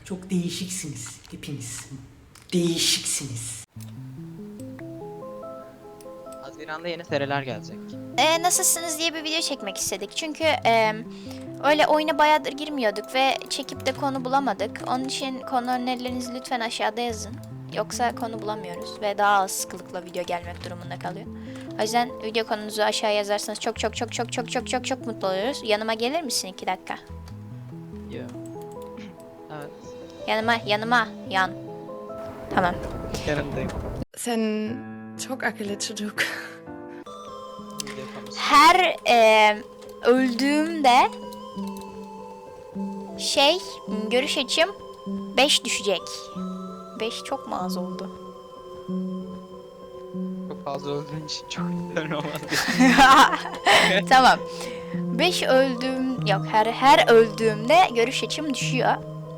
Çok değişiksiniz hepiniz. Değişiksiniz. Haziran'da yeni seriler gelecek. Nasılsınız diye bir video çekmek istedik. Çünkü öyle oyuna bayağıdır girmiyorduk ve çekip de konu bulamadık. Onun için konu önerilerinizi lütfen aşağıda yazın. Yoksa konu bulamıyoruz ve daha az sıklıkla video gelmek durumunda kalıyor. O yüzden video konunuzu aşağıya yazarsanız çok mutlu oluruz. Yanıma gelir misin 2 dakika? Yo. Evet. Yanıma yan. Tamam. Yanındayım. Sen çok akıllı çocuk. Her öldüğümde görüş açım 5 düşecek. 5 çok mu az oldu? Çok fazla öldüğün için çok güzel olmaz. Tamam. 5 öldüğüm yok, her öldüğümde görüş açım düşüyor.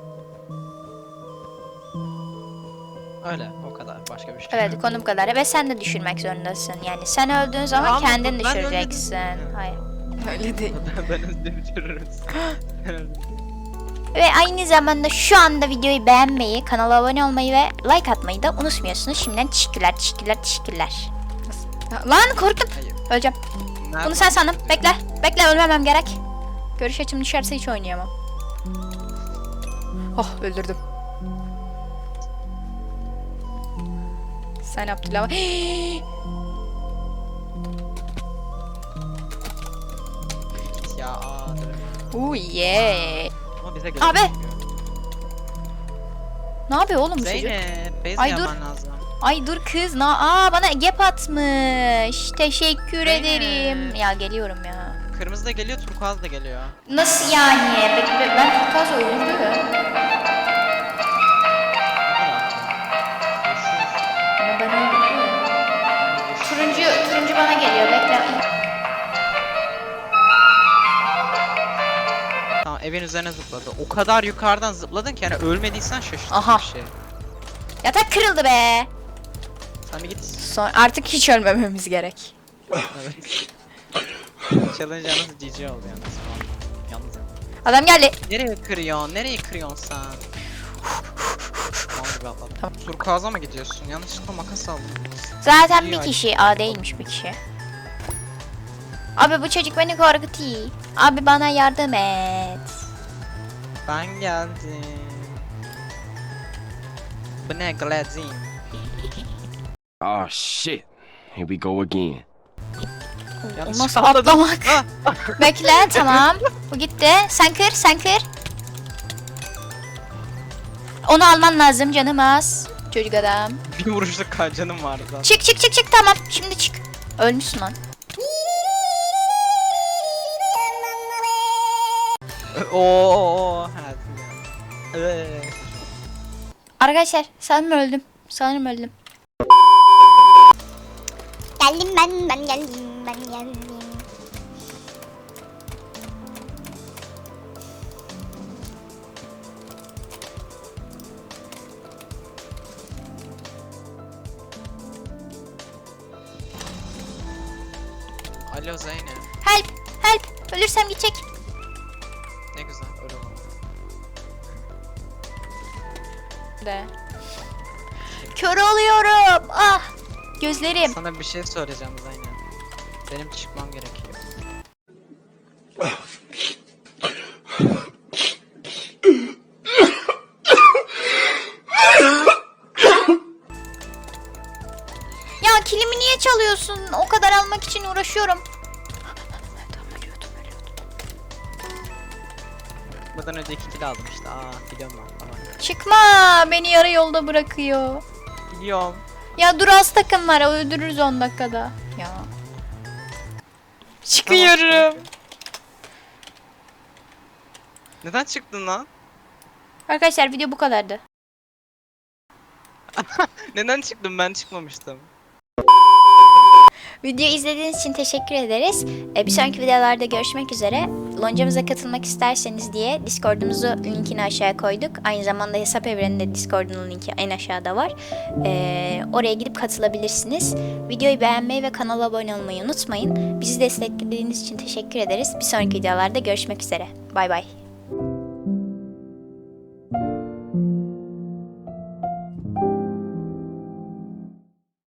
Öyle, o kadar. Başka bir şey. Evet, konu bu kadar. Ve sen de düşürmek zorundasın. Yani sen öldüğün zaman Ama kendin ben düşüreceksin. öldüm. Hayır. Öyle değil. Ben önce bitiririm. Ve aynı zamanda şu anda videoyu beğenmeyi, kanala abone olmayı ve like atmayı da unutmuyorsunuz. Şimdiden teşekkürler. Lan korktum. Hayır. Öleceğim. Bunu sen sandın. Bekle ölmemem gerek. Görüş açım düşerse hiç oynayamam. Oh, öldürdüm. Sen Abdullah. Ya Oh yeah. Ama bize geliyor. Abi. Ne yapıyor oğlum bu çocuk? Zeynep, bez Ay, dur. yapman lazım. Ay dur kız. Bana gap atmış. Teşekkür Zeynep. ederim. Ya geliyorum ya. Kırmızı da geliyor, turkuaz da geliyor. Nasıl yani? Ben turkuaz öldürdüm. Ama ben öldürdüm. Turuncu bana geliyor. Bekle. Tamam, evin üzerine zıpladı. O kadar yukarıdan zıpladın ki yani ölmediysen şaşırtıcı Aha. bir şey. Yatak kırıldı be. Sen bir git. Artık hiç ölmememiz gerek. Evet. Challenge yalnız GG oldu yalnız. Yalnız. Adam geldi. Nereye kırıyorsun? Nereye kırıyorsun sen? Tamam gibi atladım. Tamam. Turkuaz'a mı gidiyorsun? Yanlışlıkla makas aldım. Zaten İyi, bir hadi. kişi. Değilmiş bir kişi. Abi bu çocuk beni korkutuyor. Abi bana yardım et. Ben geldim. Bu ne glazin? Oh shit. Here we go again. Yanlış O nasıl atladım. atlamak? Ah! Bekle tamam. Bu gitti. Sen kır. Onu alman lazım canım az. Çocuk adam. Bir vuruşluk canım vardı zaten. Çık tamam. Şimdi çık. Ölmüşsün lan. Ooo. Arkadaşlar sanırım öldüm. Geldim ben geldim. Alo Zeynep. Help. Ölürsem gidecek. Ne güzel öyle oldu. De. Kör oluyorum. Ah. Gözlerim. Sana bir şey söyleyeceğim Zeynep. Benim çıkmam gerekiyor. Ya kilimi niye çalıyorsun? O kadar almak için uğraşıyorum. Buradan önce 2 kill aldım işte. Biliyorum ben. Tamam. Çıkma. Beni yarı yolda bırakıyor. Biliyorum. Ya dur az takım var. Öldürürüz 10 dakikada. Ya. Çıkıyorum. Neden çıktın lan? Arkadaşlar video bu kadardı. Neden çıktım? Ben çıkmamıştım. Videoyu izlediğiniz için teşekkür ederiz. Bir sonraki videolarda görüşmek üzere. Loncamıza katılmak isterseniz diye Discord'umuzu linkini aşağıya koyduk. Aynı zamanda hesap evreninde Discord'un linki en aşağıda var. Oraya gidip katılabilirsiniz. Videoyu beğenmeyi ve kanala abone olmayı unutmayın. Bizi desteklediğiniz için teşekkür ederiz. Bir sonraki videolarda görüşmek üzere. Bay bay.